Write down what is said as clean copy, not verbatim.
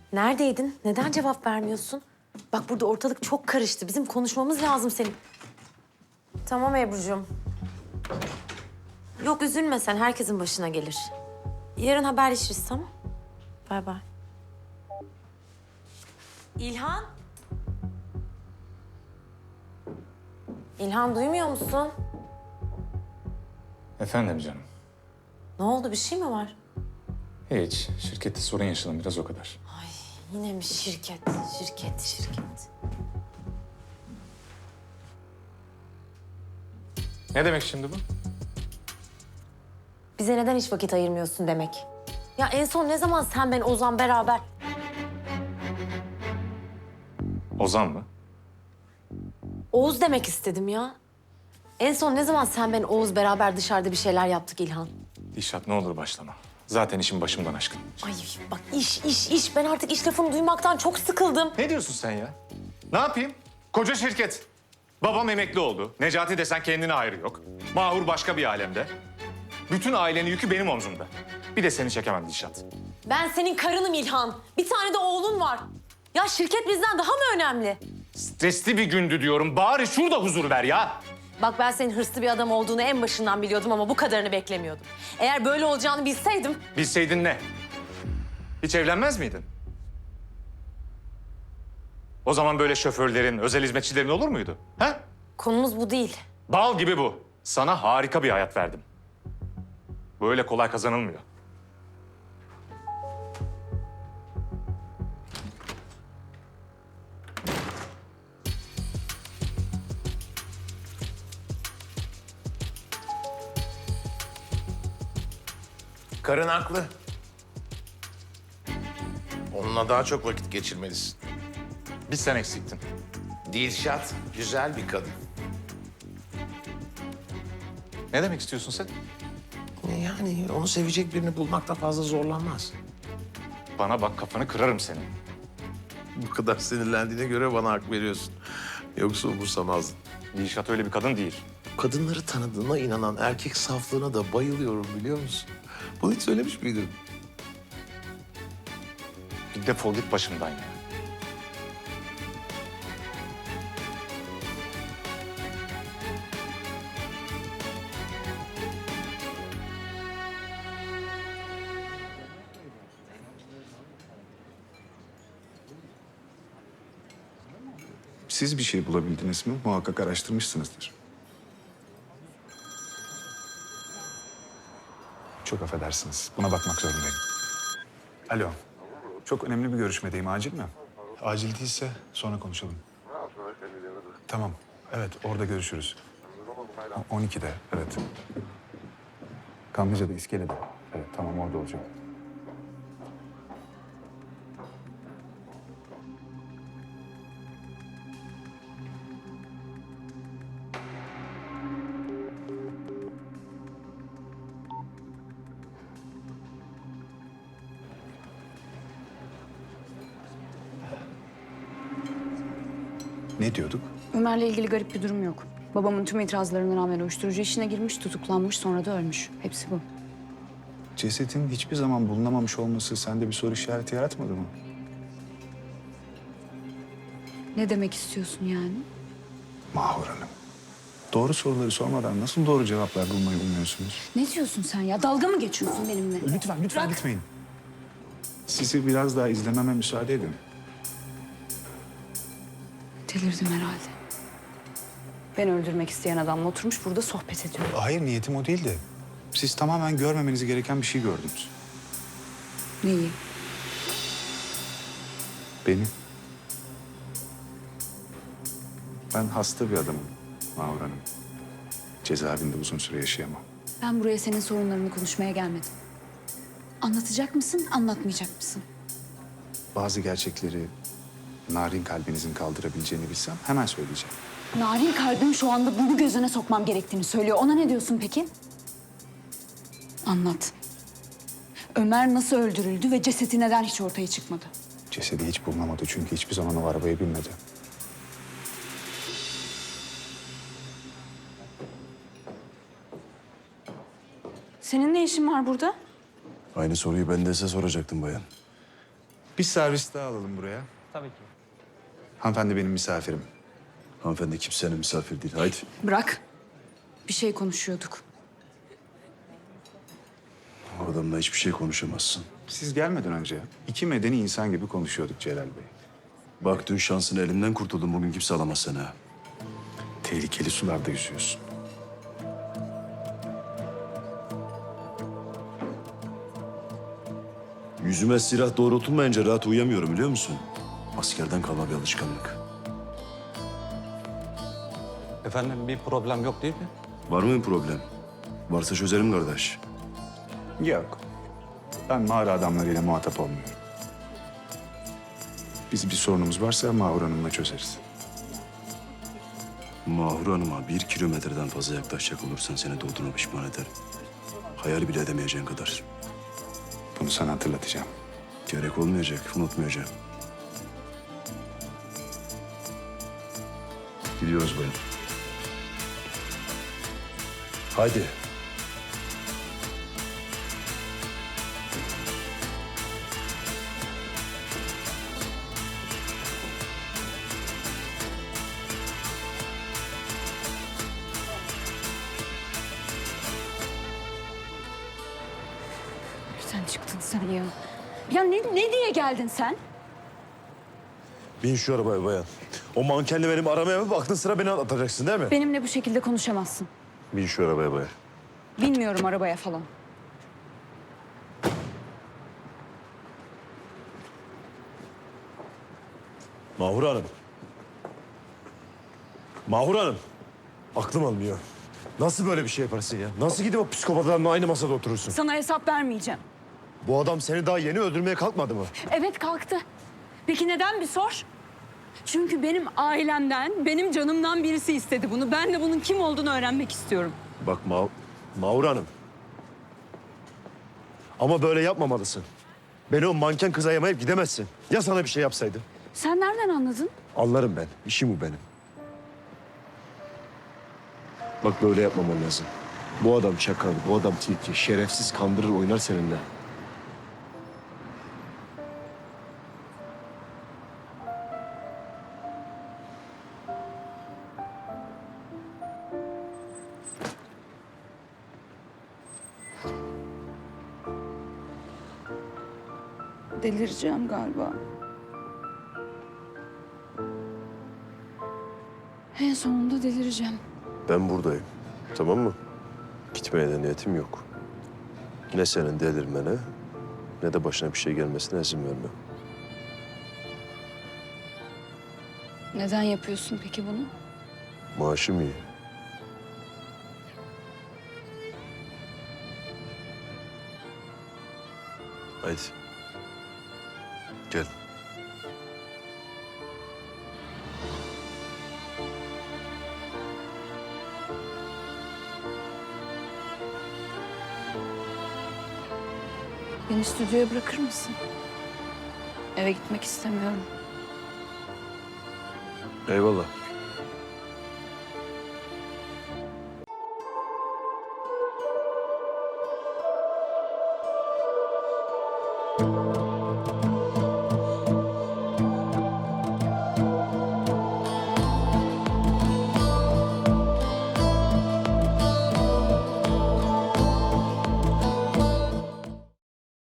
Neredeydin? Neden cevap vermiyorsun? Bak burada ortalık çok karıştı. Bizim konuşmamız lazım senin. Tamam Ebru'cum. Yok üzülme sen. Herkesin başına gelir. Yarın haberleşiriz tamam? Bay bay. İlhan? İlhan duymuyor musun? Efendim canım. Ne oldu? Bir şey mi var? Hiç. Şirkette sorun yaşadım biraz o kadar. Ay yine mi şirket? Şirket. Ne demek şimdi bu? Bize neden hiç vakit ayırmıyorsun demek. Ya en son ne zaman sen, ben, Ozan beraber... Ozan mı? Oğuz demek istedim ya. En son ne zaman sen, ben, Oğuz beraber dışarıda bir şeyler yaptık İlhan? Dişat ne olur başlama. Zaten işim başımdan aşkın. Ay bak iş. Ben artık iş lafını duymaktan çok sıkıldım. Ne diyorsun sen ya? Ne yapayım? Koca şirket. Babam emekli oldu. Necati desen kendine hayrı yok. Mahur başka bir alemde. Bütün ailenin yükü benim omzumda. Bir de seni çekemem Dişat. Ben senin karınım İlhan. Bir tane de oğlun var. Ya şirket bizden daha mı önemli? Stresli bir gündü diyorum. Bari şurada huzur ver ya. Bak ben senin hırslı bir adam olduğunu en başından biliyordum ama bu kadarını beklemiyordum. Eğer böyle olacağını bilseydim... Bilseydin ne? Hiç evlenmez miydin? O zaman böyle şoförlerin, özel hizmetçilerin olur muydu? Ha? Konumuz bu değil. Bal gibi bu. Sana harika bir hayat verdim. Böyle kolay kazanılmıyor. Karın haklı. Onunla daha çok vakit geçirmelisin. Bir sen eksiktin. Dilşat güzel bir kadın. Ne demek istiyorsun sen? Yani onu sevecek birini bulmakta fazla zorlanmaz. Bana bak kafanı kırarım senin. Bu kadar sinirlendiğine göre bana hak veriyorsun. Yoksa umursamazdın. Dilşat öyle bir kadın değil. Kadınları tanıdığına inanan erkek saflığına da bayılıyorum biliyor musun? Bunu hiç söylemiş miydin? Bir defol git başımdan ya. Siz bir şey bulabildiniz mi? Muhakkak araştırmışsınızdır. Çok affedersiniz. Buna bakmak zorundayım. Alo. Çok önemli bir görüşmedeyim. Acil mi? Acil değilse sonra konuşalım. Tamam. Evet, orada görüşürüz. 12'de, evet. Kanlıca'da, iskelede. Evet, tamam orada olacak. Ne diyorduk? Ömer'le ilgili garip bir durum yok. Babamın tüm itirazlarına rağmen uyuşturucu işine girmiş, tutuklanmış, sonra da ölmüş. Hepsi bu. Cesetin hiçbir zaman bulunamamış olması sende bir soru işareti yaratmadı mı? Ne demek istiyorsun yani? Mahur Hanım. Doğru soruları sormadan nasıl doğru cevaplar bulmayı umuyorsunuz? Ne diyorsun sen ya? Dalga mı geçiyorsun benimle? Lütfen gitmeyin. Sizi biraz daha izlememe müsaade edin. Delirdim herhalde. Ben öldürmek isteyen adamla oturmuş burada sohbet ediyor. Hayır, niyetim o değildi. Siz tamamen görmemeniz gereken bir şey gördünüz. Neyi? Beni. Ben hasta bir adamım Mahur Hanım. Cezaevinde uzun süre yaşayamam. Ben buraya senin sorunlarını konuşmaya gelmedim. Anlatacak mısın, anlatmayacak mısın? Bazı gerçekleri narin kalbinizin kaldırabileceğini bilsem hemen söyleyeceğim. Narin kalbim şu anda bunu gözüne sokmam gerektiğini söylüyor. Ona ne diyorsun peki? Anlat. Ömer nasıl öldürüldü ve cesedi neden hiç ortaya çıkmadı? Cesedi hiç bulunamadı çünkü hiçbir zaman o arabaya binmedi. Senin ne işin var burada? Aynı soruyu ben de size soracaktım bayan. Bir servis daha alalım buraya. Tabii ki. Hanımefendi benim misafirim. Hanımefendi kimsenin misafir değil. Haydi. Bırak. Bir şey konuşuyorduk. O adamla hiçbir şey konuşamazsın. Siz gelmeden önce iki medeni insan gibi konuşuyorduk Celal Bey. Bak dün şansını elimden kurtuldun. Bugün kimse alamaz seni ha. Tehlikeli sularda yüzüyorsun. Yüzüme silah doğrultulmayınca rahat uyuyamıyorum biliyor musun? Askerden kalma bir alışkanlık. Efendim bir problem yok değil mi? Var mı bir problem? Varsa çözelim kardeş. Yok. Ben mağara adamlarıyla muhatap olmuyorum. Biz bir sorunumuz varsa Mahur Hanım'la çözeriz. Mahur Hanım'a 1 kilometreden fazla yaklaşacak olursan seni doğduğuna pişman ederim. Hayal bile edemeyeceğin kadar. Bunu sana hatırlatacağım. Gerek olmayacak, unutmayacağım. Gidiyoruz bayan. Haydi. Sen çıktın sen ya. Ya ne diye geldin sen? Bin şu arabaya bayan. O mankenle benim aramaya mı baktın, sıra beni atacaksın değil mi? Benimle bu şekilde konuşamazsın. Bin şu arabaya bayan. Bilmiyorum arabaya falan. Mahur Hanım. Mahur Hanım. Aklım almıyor. Nasıl böyle bir şey yaparsın ya? Nasıl gidip o psikopatlarla aynı masada oturursun? Sana hesap vermeyeceğim. Bu adam seni daha yeni öldürmeye kalkmadı mı? Evet kalktı. Peki neden bir sor? Çünkü benim ailemden, benim canımdan birisi istedi bunu. Ben de bunun kim olduğunu öğrenmek istiyorum. Bak Mahur Hanım. Ama böyle yapmamalısın. Beni o manken kıza yamayıp gidemezsin. Ya sana bir şey yapsaydı? Sen nereden anladın? Anlarım ben. İşim bu benim. Bak böyle yapmaman lazım. Bu adam çakal, bu adam tilki. Şerefsiz kandırır oynar seninle. Delireceğim galiba. En sonunda delireceğim. Ben buradayım. Tamam mı? Gitmeye de niyetim yok. Ne senin delirmene ne de başına bir şey gelmesine izin vermem. Neden yapıyorsun peki bunu? Maaşım iyi. Haydi. Gel. Beni stüdyoya bırakır mısın? Eve gitmek istemiyorum. Eyvallah.